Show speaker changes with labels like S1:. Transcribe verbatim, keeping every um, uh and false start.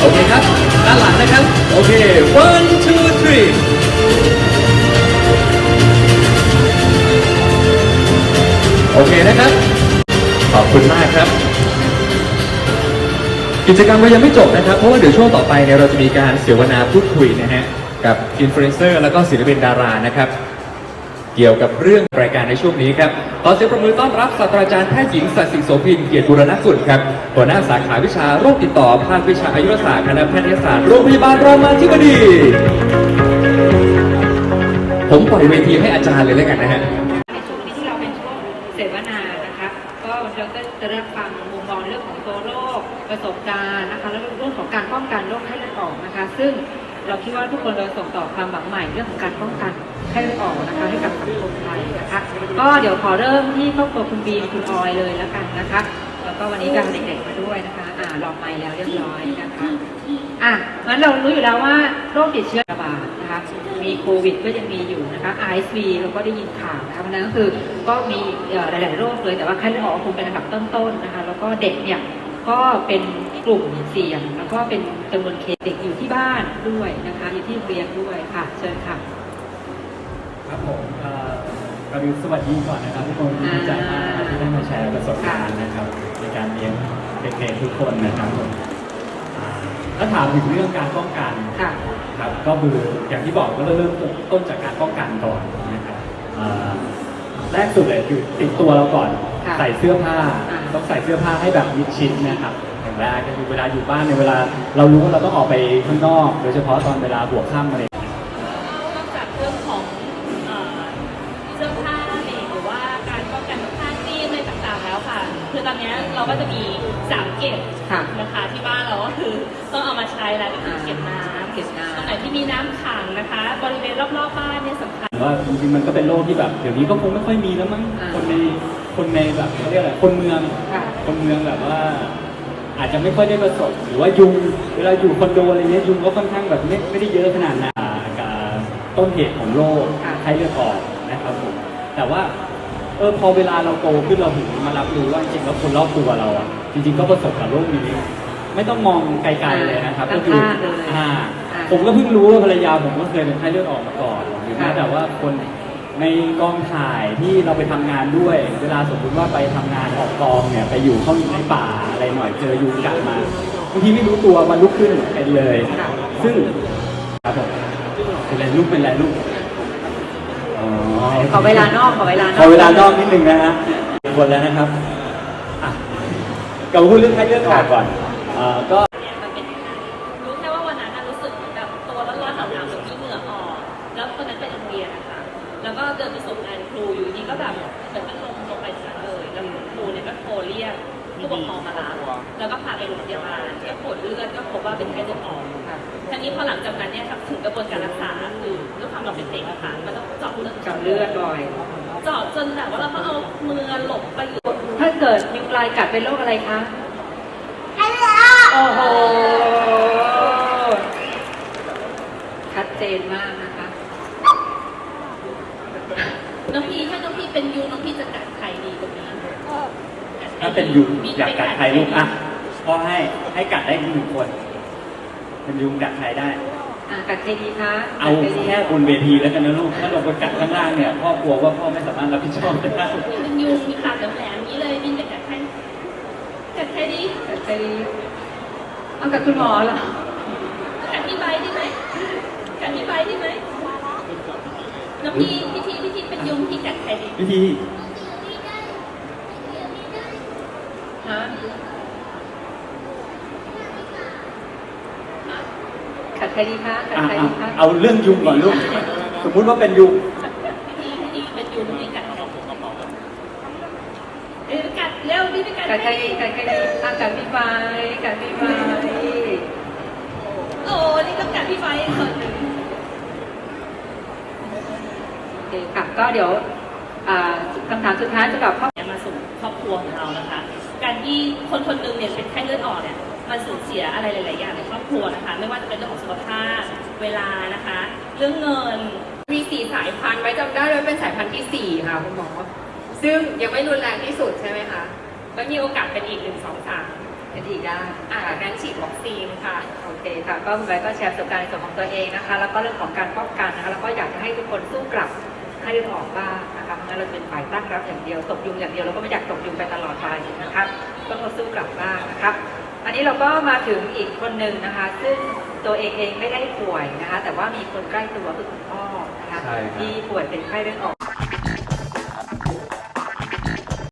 S1: โอเคครับด้านหลังนะครับโอเค one two three โอเคนะครับขอบคุณมากครับกิจกรรมเรายังไม่จบนะครับเพราะว่าเดี๋ยวช่วงต่อไปเนี่ยเราจะมีการเสวนาพูดคุยนะฮะกับอินฟลูเอนเซอร์แล้วก็ศิลปินดารานะครับเกี่ยวกับเรื่องรายการในช่วงนี้ครับขอเสียงปรบมือต้อนรับศาสตราจารย์แพทย์หญิงสัตย์สิงห์โสภินเกียรติบูรณกุลครับหัวหน้าสาขาวิชาโรคติดต่อภาควิชาอายุรศาสตร์คณะแพทยศาสตร์โรงพยาบาลรามาธิบดีผมปล่อยเวทีให้อาจารย์เลยแล้วกันนะฮะ
S2: ในช่วงนี้ที่เราเป็นช่วงเสวนานะคะก็เราก็จะได้ฟังมุมมองเรื่องของตัวโรคประสบการณ์นะคะแล้วเรื่องของการป้องกันโรคไข้เลือดออกนะคะซึ่งเราคิดว่าทุกคนเราส่งต่อความหวังใหม่เรื่องของการป้องกันไข้เลือดออกนะคะให้กับสังคมไทยนะคะก็เดี๋ยวขอเริ่มที่ครอบครัวคุณบีมคุณออยเลยแล้วกันนะคะแล้วก็วันนี้การเด็กๆมาด้วยนะคะอ่าลองไมค์แล้วเรียบร้อยนะคะอ่ะงั้นเรารู้อยู่แล้วว่าโรคติดเชื้อระบาดนะคะมีโควิดก็ยังมีอยู่นะคะ ไอ เอส วี เราก็ได้ยินข่าวนะคะเพราะนั้นก็คือก็มีหลายๆโรคเลยแต่ว่าไข้เลือดออกคงเป็นอันดับต้นๆนะคะแล้วก็เด็กเนี่ยก็เป็นกลุ่มเสี่ยงแล้วก็เป็นจำนวนเคสเด็กอยู่ที่บ้านด้วยนะคะอยู่ที่โรงเรียนด้วยค่ะเชิญค่ะ
S3: ครับผมก็ดูสวัสดีก่อนนะครับทุกคนดีใจมากที่ได้มาแชร์ประสบการณ์นะครับในการเลี้ยงเด็กๆทุกคนนะครับผมถ้าถามถึงเรื่องการป้องกันครับก็คืออย่างที่บอกก็เริ่มต้นจากการป้องกันก่อนนะครับแรกสุดเลยคือติดตัวเราก่อนใส่เสื้อผ้าต้องใส่เสื้อผ้าให้แบบมิดชิดนะครับอย่างแรกก็คือเวลาอยู่บ้านในเวลาเรารู้ว่าเราต้องออกไปข้างนอกโดยเฉพาะตอนเวลาหัวค่ำอะไร
S4: นอกจากเรื่องของเสื้อผ้าเองหรือว่าการป้องกันผ้าซีมอะไรต่างๆแล้วค่ะคือตอนนี้เราก็จะมีสามเก็บนะคะที่บ้านเราก็คือต้องเอามาใช้แล้วก็คือเก็บน้ำเก็บน้ำตรงไหนที่มีน้ำขังนะคะบริเวณรอบๆบ้านเนี่ยสำคัญ
S3: ว่าจริงๆมันก็เป็นโรคที่แบบเดี๋ยวนี้ก็คงไม่ค่อยมีแล้วมั้งคนในคนในแบบเขาเรียกอะไรคนเมืองคนเมืองแบบว่าอาจจะไม่ค่อยได้ประสบหรือว่ายุงเวลาอยู่คอนโดอะไรเงี้ยยุงก็ค่อนข้างแบบไม่ไม่ได้เยอะขนาดนั้นกับต้นเหตุของโรคไข้เลือดออกนะครับผมแต่ว่าเออพอเวลาเราโตขึ้นเราถึงมารับรู้ว่าจริงๆแล้วคนรอบตัวเราอ่ะจริงๆก็ประสบกับโรคนี้ไม่ต้องมองไกลๆเลยนะครับก็คืออ่าผมก็เพิ่งรู้ว่าภรรยาผมก็เคยเป็นไข้เลือดออกมาก่อนหรือแม้แต่ว่าคนในกองถ่ายที่เราไปทำงานด้วยเวลาสมมติว่าไปทำงานออกกองเนี่ยไปอยู่เข้าในป่าอะไรหน่อยเจอยุงกัดมาบางทีไม่รู้ตัวมันลุกขึ้นเป็นเลยซึ่งครับผมเป็นอะไรลูกเป็นอะไรลูก
S2: ขอเวลานอกขอเวลานอก
S3: ขอเวลานอกนิดนึงนะฮะคนแล้วนะครับกับพูดเรื่องไข้เลือดออกก่อนก็
S4: มันเป็นรู้แค่ว่าวันนั้นรู้สึกแบบตัวร้อนๆหนาวๆแบบมีเหงื่อออกแล้วตอนนั้นเป็นโรงเรียนนะคะแล้วก็เดินไปส่งงานครูอยู่นี่ก็แบบเหมือนมันลงลงไปสายเลยแล้วครูเนี่ยก็โทรเรียกผู้ปกครองมารับแล้วก็พาไปโรงพยาบาลก็ตรวจเลือดก็พบว่าเป็นไข้เลือดออกทีนี้พอหลังจากนั้นเนี่ยถึงกระบวนการรักษาคือด้วยความเราเป็นเด็กอะค่ะมันต้องเจาะเลือด
S2: เจาะเลือดบ่อย
S4: เจาะจนแบบว่าเราต้องเอามือหลบไปอยู่
S2: ถ้าเกิดยุงลายกัดเป็นโรคอะไรคะโอ้โหชัดเจนมากนะคะ
S4: น้องพี่ถ้าน้องพี่เป็นยูน้องพี่จะกัดใครดีตรงนี้
S3: ถ้าเป็นยุงอยากกัดใครลูกอ่ะพ่อให้ให้กัดได้หนึ่งคนเป็นยุงกัดใครได้
S2: อ่ะกัดใครดีคะ
S3: เอาแค่บนเวทีแล้วกันนะลูกถ้าลงไปกัดข้างล่างเนี่ยพ่อกลัวว่าพ่อไม่สามารถรับผิดชอบได้
S4: เป็นยุงมีขาแหลมๆนี้เลยบินจะกัดใครกัดใครดี
S2: กัดใครดีเอากัดคุณหมอเหรอ
S4: กัดพี่ใบได้ไหมกัดพี่ใบได้ไหมน้องพี่พี่ทีพี่ทีเป็นยุงพี่กัดใครดี
S3: พี่ที
S2: ฮะกัดใครดีคะกัดใครดีคะ
S3: เอาเรื่องยุงก่อนลูกสมมุติว่าเป็นยุง
S4: พี่ทีเป็นยุงพี่กัดใครเอ้ยกัดเร็วพี่ไปกัด
S2: ใครกัดใครดีอ่ะกัดพี่ใบกัดพี่ใบ
S4: โอ้นี่ก็กัดพี่ใบคนหนึ่ง
S2: โอเคค่ะก็เดี๋ยวคำถามสุดท้ายจะตอบข้อ
S4: มาสู่ครอบครัวของเรานะคะการที่คนคนหนึ่งเนี่ยเป็นไข้เลือดออกเนี่ยมันสูญเสียอะไรหลายๆอย่างในครอบครัวนะคะไม่ว่าจะเป็นเรื่องของสุขภาพเวลานะคะเรื่องเงิน
S5: มีสี่สายพันธุ์ไว้จำได้เลยเป็นสายพันธุ์ที่สี่ค่ะคุณหมอซึ่งยังไม่รุนแรงที่สุดใช่ไหมคะ
S4: แล้วมีโอกาสเป็นอีกหนึ่งสองสาม
S2: เป็นอีกด้าน
S5: อ่า
S2: ค่ะ
S5: งั้นฉีดวัคซีนค่ะ
S2: โอเคค่ะก็คุณไบร์ทก็แชร์ประสบการณ์ในส่วนของตัวเองนะคะ แล้วก็เรื่องของการป้องกันนะคะแล้วก็อยากจะให้ทุกคนสู้กลับให้เลือดออกบ้างนะคะเพราะงั้นเราเป็นฝ่ายตั้งรับอย่างเดียวตกยุงอย่างเดียวเราก็ไม่อยากตกยุงไปตลอดไปนะครับก็ต้องสู้กลับบ้างนะครับ อันนี้เราก็มาถึงอีกคนหนึ่งนะคะ ซึ่งตัวเองเองไม่ได้ป่วยนะคะ แต่ว่ามีคนใกล้ตัวคือคุณพ่อนะคะ
S1: ใช่ครับ
S2: ที่ป่วยเป็นไข้เลือดออก